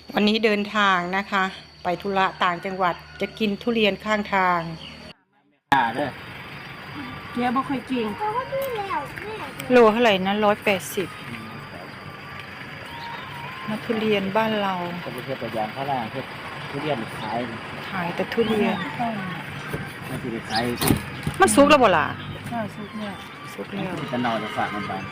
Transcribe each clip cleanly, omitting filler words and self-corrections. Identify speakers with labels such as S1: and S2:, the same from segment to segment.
S1: วันนี้เดินทางนะคะ ไปธุระต่างจังหวัดจะกินทุเรียนข้างทาง
S2: เด้อ
S3: แม่บ่ค่อยเก่ง
S1: โลเท่าไหร่นะ180มาทุเรียนบ้านเรา
S2: จะไปเพื่อตัวอย่างข้างล่างเพื่อทุเรียน
S1: ขายแต่ทุเรียน
S2: มันจะไปขาย
S1: มันสุกแล้วบ่ล่ะ
S3: สุกเนี่ย
S1: สุกแล้ว
S2: จะนอนจะฝากมันไป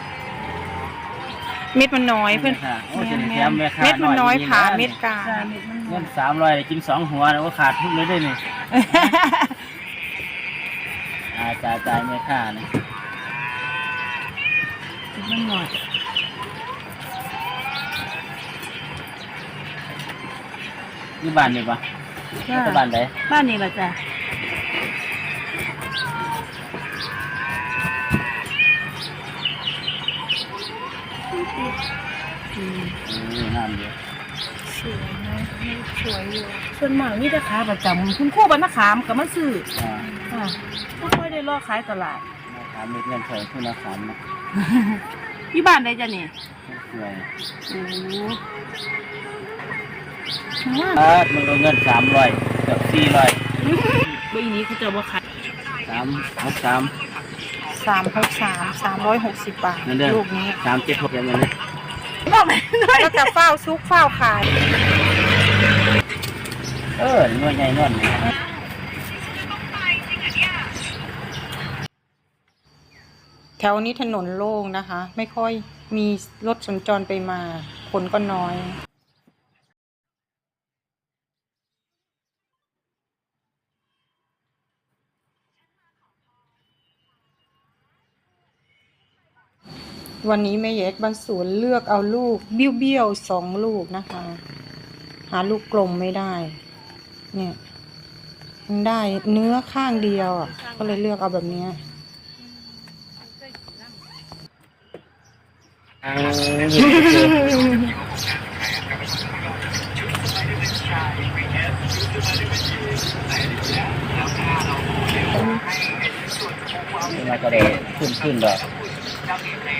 S1: เม็ดมันน้อยเพื่อนเม็ดมันน้อยผ่าเม็ดกลาง
S2: เงิน300กิน2หัวแล้วก็ขาดทุกเลยได้นี่จ่ายแม่ค่านี่
S3: มันหน่อย
S2: นี่บ้านนี่ปะนี่บ้านไหน
S3: บ้านนี้ล่ะจ้ะ
S2: น้ำเยอะ
S1: สวยนะสวยอยู่
S3: ส่วนมากมีแต่ขาประจำคุณครูบ้านนาขามก็มาซื้อไม่ค่อยได้รอขายตลาด
S2: ขามมีเงินเถิดคุณขามนะ
S3: ที่บ้านได้จ้ะนี่
S2: สวย
S3: โอ้
S2: มันลงเงิน300เกือบ400
S3: ปีนี้เขาจะว่าขาย
S1: 360 บาทลูกนี้
S2: 376อย่างนี้
S1: แล้วจะเฝ้าซุกเฝ้าขาย
S2: นวดใหญ่นวด
S1: แถวนี้ถนนโล่งนะคะ ไม่ค่อยมีรถสัญจรไปมาคนก็น้อยวันนี้แม่แยกบ้านสวนเลือกเอาลูกเบี้ยวๆ2 ลูกนะคะ หาลูกกลมไม่ได้เนี่ยมันได้เนื้อข้างเดียวก็เลยเลือกเอาแบบนี้
S2: มาจะได้ขึ้นดอก